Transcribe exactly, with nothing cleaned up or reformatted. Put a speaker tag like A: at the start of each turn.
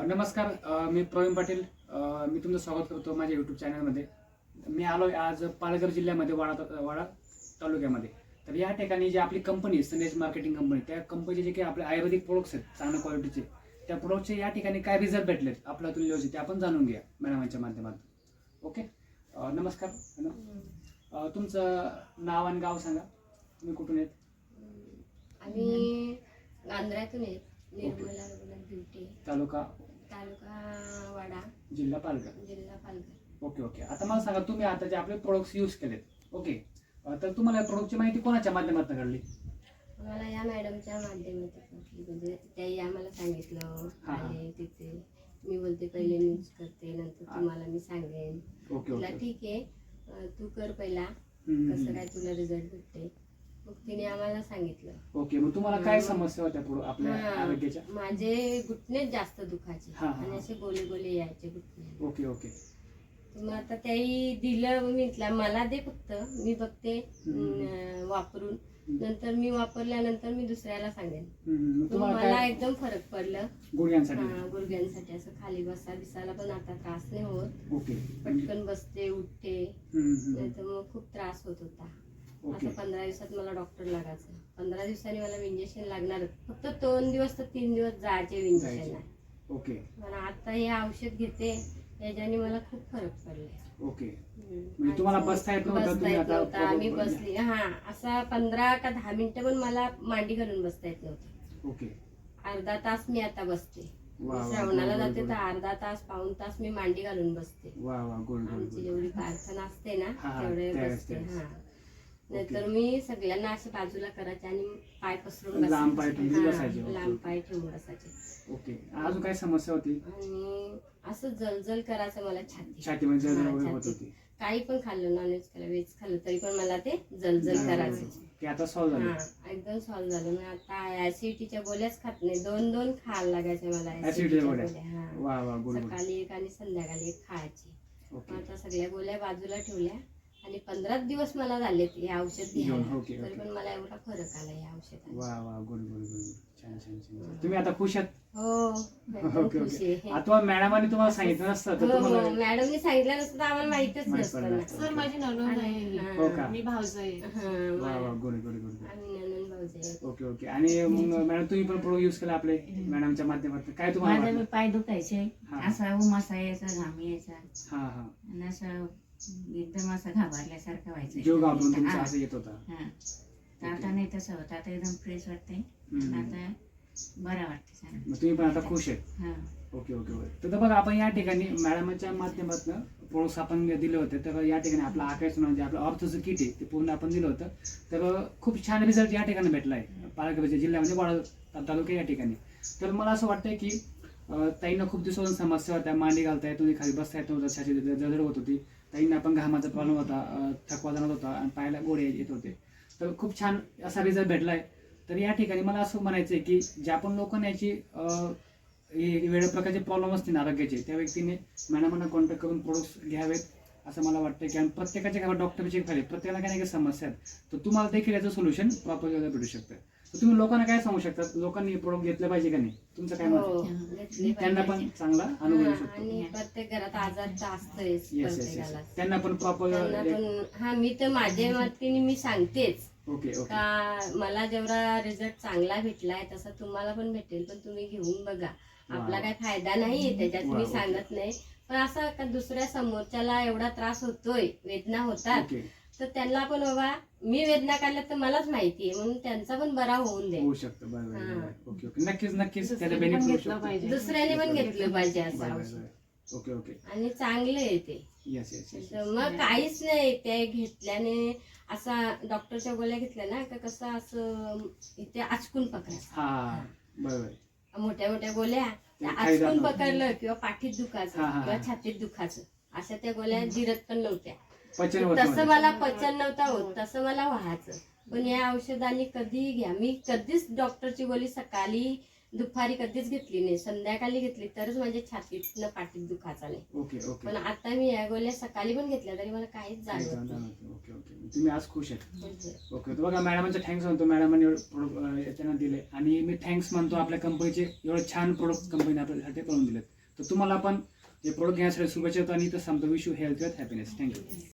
A: नमस्कार. अ, मी प्रवीण पाटील. अ, मी तुमचं स्वागत करतो माझ्या यूट्यूब चॅनलमध्ये. मी आलो आज पालघर जिल्ह्यामध्ये वाडा ता- वाडा तालुक्यामध्ये. तर या ठिकाणी जी आपली कंपनी संदेश मार्केटिंग कंपनी, त्या कंपनीचे जे काही आपले आयुर्वेदिक प्रोडक्ट्स आहेत चांगल्या क्वालिटीचे, त्या प्रोडक्टचे या ठिकाणी काय रिझल्ट भेटलेत आपल्या तुल्यचे ते आपण जाणून घ्या मॅडमांच्या माध्यमातून. ओके. अ, नमस्कार मॅडम. अ, तुमचं नाव आणि गाव सांगा. तुम्ही कुठून आहेत?
B: आम्ही आंध्रातून आहेत. निर्मला रघुनाथ भिवटे,
A: तालुका
B: तालुका वाडा,
A: जिल्हा पालघर.
B: जिल्हा पालघर.
A: Okay okay. आता मला सांगा, तुम्ही आता जे आपले प्रोडक्ट्स यूज केलेत, ओके, अ, तर तुम्हाला या प्रोडक्टची माहिती कोणाच्या माध्यमातून कळली?
B: मला या मॅडमच्या माध्यमातून भेटली. म्हणजे त्याही आम्हाला सांगितलं.
A: हा, हा.
B: आले तिथे. मी बोलते पहिले मी यूज करते, नंतर तुम्हाला मी सांगेन.
A: ओके
B: तुला
A: ओके.
B: ठीक आहे, अं, तू कर पहिला,
A: हम्म,
B: कसं
A: हम्म.
B: काय तुला रिझल्ट भेटते. मग तिने आम्हाला सांगितलं.
A: ओके. मग तुम्हाला काय समस्या होत्या पुढं आपल्या
B: हा,
A: आरोग्याच्या?
B: माझे घुटणेच जास्त दुखायचे
A: हा, हा.
B: आणि असे गोले गोले यायचे घुटणे.
A: Okay okay.
B: मग आता त्याही दिलं. मी म्हटलं मला दे, फक्त मी बघते
A: हम्म.
B: अं, वापरून. नंतर मी वापरल्यानंतर मी दुसऱ्याला सांगेन.
A: हम्म, मग
B: मग
A: तुम्हाला
B: मला
A: काय
B: एकदम फरक पडलं.
A: गुडघ्यांसाठी?
B: हा, गुडघ्यांसाठी असं खाली बसा दिसायला पण आता त्रास नाही होत.
A: ओके.
B: पटकन बसते, उठते.
A: हम्म, हम्म.
B: नाहीतर मग खूप त्रास होत होता.
A: ओके.
B: आता पंधरा दिवसात मला डॉक्टर लागायचं. पंधरा दिवसांनी मला इंजेक्शन लागणार. फक्त दोन दिवस तर तीन दिवस जायचे इंजेक्शन.
A: जायचे. ओके
B: मला आता हे औषध घेते, याच्याने मला खूप फरक पडले.
A: ओके.
B: हम्म.
A: म्हणजे तुम्हाला बसता येत नव्हतं,
B: बसता
A: तुम्ही
B: येत
A: आता
B: नव्हतं. आम्ही
A: बरोबर-
B: बसली, हा, असा पंधरा का दहा मिनिटं पण मला मांडी घालून बसता येत नव्हतं.
A: ओके.
B: अर्धा तास मी आता बसते.
A: वा, वा,
B: मी श्रावणाला
A: गोड, गोड,
B: जाते
A: गोड.
B: तर अर्धा तास पाऊण तास मी मांडी घालून बसते.
A: वा वा, गोड गोड
B: आमची
A: गोड.
B: जेवढी प्रार्थना असते ना
A: हा, हा,
B: तेवढे
A: त्यावेळेस,
B: बसते.
A: त्यावेळेस.
B: हा, नाहीतर मी सगळ्यांना असे बाजूला करायचे आणि पाय पसरून
A: लांब पाय
B: बसायचे.
A: ठेवून
B: हा,
A: बसायचे. ओके,
B: लांब
A: ओके.
B: पाय ठेवून बसायचे.
A: ओके. अजून काय समस्या होती?
B: आणि असं जलजल करायचं मला छाती.
A: छातीमध्ये जळजळ
B: हा,
A: वगैरे होत
B: छातीत.
A: होती?
B: काही पण खाल्लं, नॉनव्हेज खाल्लं, व्हेज खाल्लं, तरी पण मला ते जलजल करायचं.
A: ते आता सॉल्व्ह झालं?
B: हा, एकदम सॉल्व्ह झालं. मी आता ऍसिडिटीच्या गोळ्याच खात नाही. दोन दोन खायला लागायच्या मला
A: ऍसिडिटीच्या
B: ऍसिडिटीच्या
A: गोळ्या?
B: गोळ्या. हा,
A: वा वा, गोड गोड.
B: सकाळी एक आणि संध्याकाळी एक खायची.
A: ओके.
B: मग आता सगळ्या गोळ्या बाजूला ठेवल्या आणि पंधरा दिवस मला झाले हे औषध
A: घेऊन.
B: घ्यायला.
A: ओके,
B: तरी
A: ओके.
B: पण मला एवढा फरक आला या औषधाने.
A: वा वा, गुड गुड गुड. छान छान छान. तुम्ही आता खुश आहात?
B: हो, एकदम
A: ओके
B: खुश
A: ओके.
B: आहे.
A: आता मॅडमांनी तुम्हाला सांगितलं नसतं तर
B: हो, हो,
A: तुम्हाला
B: मॅडमनी सांगितलं नसतं तर आम्हाला माहितच
A: माहित
B: नसतं
A: पडलं
B: ना.
A: नसतं.
C: सर माझी नणंद आहे.
B: हा,
A: हो का?
C: मी भाऊज आहे.
B: हा,
A: वा वा,
B: मा-
A: गुड गुड गुड गुड.
B: आम्ही नणंद भाऊजी आहे.
A: Okay okay. आणि मग मॅडम तुम्ही पण प्रोडक्ट यूज केला आपले मॅडमच्या माध्यमातून, काय तुम्हाला
D: माझे
A: वाटलं?
D: पाय दुखायचे,
A: हा.
D: असा उमासा यायचा, घाम यायचा
A: हा हा.
D: आणि असं एकदम असं घाबरल्यासारखं व्हायचं.
A: जीव घाबरून तुमचा
D: हा,
A: असं येत होता?
D: हा. तर आता नाही तसं होतं. आता एकदम फ्रेश वाटतंय.
A: हम्म.
D: आणि आता बरं वाटतं सांग.
A: मग तुम्ही पण आता खुश आहेत?
D: हा.
A: Okay okay okay. तर बघा, आपण या ठिकाणी मॅडमच्या माध्यमातून प्रोडक्ट्स आपण दिले होते. तर या ठिकाणी आपलं आकाश म्हणजे आपलं ऑर्थोचं किट आहे ते पूर्ण आपण दिलं होतं. तर खूप छान रिझल्ट या ठिकाणी भेटला आहे पालघर जिल्ह्यामध्ये वाडा तालुका या ठिकाणी. तर मला असं वाटतंय की अं, ताईंना खूप दिवसापासून समस्या होत्या, मांडी घालता येत नव्हती, खाली बसता येत नव्हतं, छाती जळजळ होत होती. ताईंना पण घामाचा प्रॉब्लेम होता, अं, थकवा जाणवत होता आणि पायाला गोळे येत होते. तर खूप छान असा रिझल्ट भेटलाय. तर या ठिकाणी मला असं म्हणायचं आहे की ज्या पण लोकांना याची अं, हे वेगळ्या प्रकारचे प्रॉब्लेम असतील आरोग्याचे, त्या व्यक्तीने मॅडमांना कॉन्टॅक्ट करून प्रोडक्ट्स घ्यावेत असं मला वाटतं. की आणि प्रत्येकाच्या घरात डॉक्टरचे फायदे, प्रत्येकाला काही ना काही समस्या आहेत, तर तुम्हाला देखील याचं सोल्युशन प्रॉपर भेटू शकतं. तर तुम्ही लोकांना काय सांगू शकता, लोकांनी हे प्रोडक्ट घेतले पाहिजे का नाही? तुमचं काय मत
B: हो,
A: आहे?
B: घेतली
A: त्यांना पण
B: पाहिजे.
A: चांगला अनुभव येऊ
B: हा,
A: शकतो.
B: आणि प्रत्येक घरात आजार तर असतोच
A: येस येस येस.
B: प्रत्येकाला.
A: त्यांना पण प्रॉपर.
B: त्यांना पण, हा, मी तर माझ्या मतीने मी सांगतेच
A: ओके ओके.
B: का मला जेवढा रिझल्ट चांगला भेटलाय तसा तुम्हाला पण भेटेल, पण तुम्ही घेऊन बघा. आपला
A: वा.
B: काही फायदा नाहीये त्याच्यात,
A: वा,
B: मी
A: ओके.
B: सांगत नाही. पण असं का दुसऱ्या समोरच्याला एवढा त्रास होतोय, वेदना होतात,
A: ओके.
B: तर त्यांना पण बाबा मी वेदना काढल्या तर मलाच माहितीये, म्हणून त्यांचा पण बरा होऊन दे.
A: होऊ शकतं. बरोबर
B: हा.
A: बरोबर. Okay okay. नक्कीच नक्कीच त्याला
C: दुसऱ्याने पण
A: बेनिफिट होऊ
C: घेतलं
A: शकतो.
C: पाहिजे.
B: दुसऱ्याने पण घेतलं पाहिजे असं
A: बरोबर,
B: औषध.
A: बरोबर. Okay okay.
B: आणि चांगलं आहे ते.
A: Yes yes yes.
B: तर मग काहीच नाही ते घेतल्याने. असा डॉक्टरच्या गोळ्या घेतल्या ना का कसं असं इथे आचकून पकडायचं.
A: हा बरोबर.
B: मोठ्या मोठ्या गोळ्या त्या
A: खाली जात
B: आचकून
A: नव्हतं.
B: पकडलं किंवा पाठीत दुखायचं
A: हा, हा,
B: किंवा
A: हा.
B: छातीत दुखायचं, अशा त्या गोळ्या जिरत पण नव्हत्या.
A: पचन होत
B: तसं
A: नव्हतं.
B: मला पचन नव्हतं होत, तसं मला व्हायचं. पण या औषधाने कधी घ्या, मी कधीच डॉक्टरची गोळी सकाळी दुपारी कधीच घेतली नाही, संध्याकाळी घेतली तरच माझ्या छातीतनं पाठीत दुखायचा नाही.
A: Okay okay.
B: पण आता मी या गोळ्या सकाळी पण घेतल्या तरी मला काहीच
A: काय
B: जाणवत
A: जाणवत
B: नाही.
A: नाही. Okay okay. तुम्ही आज खुश आहेत?
B: म्हणजे
A: ओके. तर बघा, मॅडमांचे थँक्स म्हणतो, मॅडमांनी एवढं प्रोडक्ट याच्यानं दिले आणि मी थँक्स म्हणतो आपल्या कंपनीचे, एवढं छान प्रोडक्ट कंपनी आपल्यासाठी करून दिलेत. तर तुम्हाला पण हे प्रोडक्ट घेण्यासाठी शुभेच्छा देतो आणि इथं सांगतो wish you health with happiness. Thank you.